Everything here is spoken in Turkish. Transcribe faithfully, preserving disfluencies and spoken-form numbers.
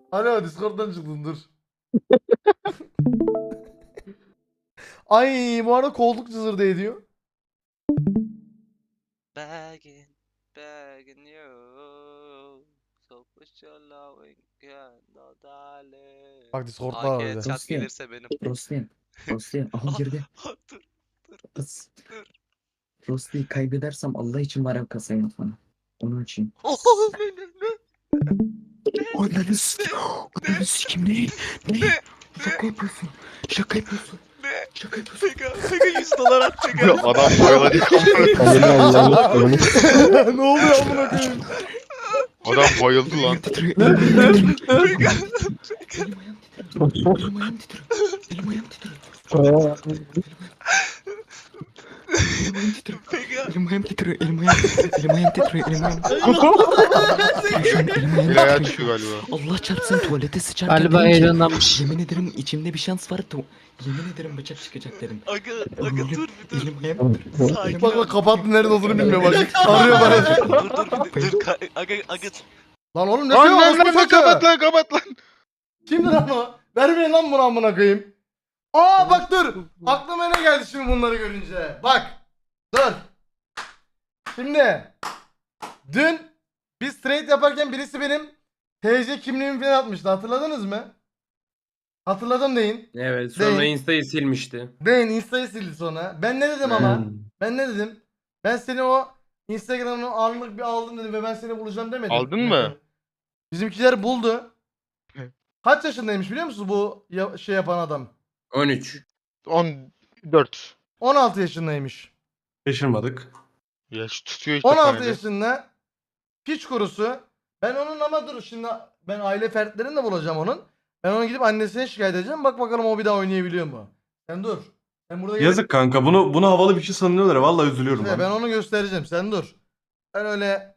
Alo Discord'dan çıktın dur. Ay bu arada koltuk cızırdı ediyor. Begging, begging you. So put your loving hand on darling. Bak Discord'da A var K bir de. chat Rusya. gelirse benim. Rosti. Rosti. Aha girdi. Ah, dur. Kız. Rosti'yi kaybedersem Allah için var ya kasayı unutma. Onu açayım. Oh ne ne ne Ananı s***. Ananı s***im ne? Ne? ne Şaka yapıyorsun. Şaka yapıyorsun. ne. Şaka yapıyorsun. Pega, Pega yüz dolar atacak Ya abi. adam bayılacak. Ne oluyor amına koyayım? Adam bayıldı lan. Elim titriyor. Elim ayağım titriyor. Pega, Elim ayağım titriyor. Elim ayağım titriyor. Elim ayağım titriyor. Elim ayağım titriyor. Pega. Elim ayağım titriyor. Elim ayağım titriyor. Elim ayağım titriyor. Elim ayağım titriyor. Şu an elim ayağım Bir ayağı titriyor. çıkıyor galiba. Allah çarpsın tuvalete sıçarken Galiba dedim ki, heyecanlanmış. yemin ederim içimde bir şans var. Tu- yemin ederim bıçak çıkacak dedim. Aga, aga dur bir dur. Elim ayağım titriyor. Sakin Bak ol. bak kapattı nerede olduğunu bilmiyor bak. Arıyor bana. Dur dur bir dur. Ka- Aga, aga. Lan oğlum ne Lan diyor? lan Osman lan lan, Çocuğu. kapat lan kapat lan. Kimdi lan o? Vermeyin lan bunu amına koyayım. Aa bak dur. Aklıma ne geldi şimdi bunları görünce. Bak. Dur. Şimdi. Dün biz trade yaparken birisi benim T C kimliğimi falan atmıştı. Hatırladınız mı? Hatırladım deyin. Evet, sonra Değil. Insta'yı silmişti. Deyin Insta'yı sildi sonra. Ben ne dedim ama? Hmm. Ben ne dedim? Ben seni o Instagram'ını anlık bir aldım dedim ve ben seni bulacağım demedim. Aldın mı? Bizimkiler buldu. Hı. Kaç yaşındaymış biliyor musun bu ya- şey yapan adam? on üç. on dört. on altı yaşındaymış. Şaşırmadık. Yaş tutuyor işte on altı paneli. yaşında piç kurusu. Ben onun ama dur şimdi ben aile fertlerini de bulacağım onun. Ben onu gidip annesine şikayet edeceğim. Bak bakalım o bir daha oynayabiliyor mu? Sen dur. Sen burada Yazık kanka. Bunu bunu havalı bir şey sanıyorlar. Vallahi üzülüyorum gelip- ben. ben onu göstereceğim. Sen dur. Ben öyle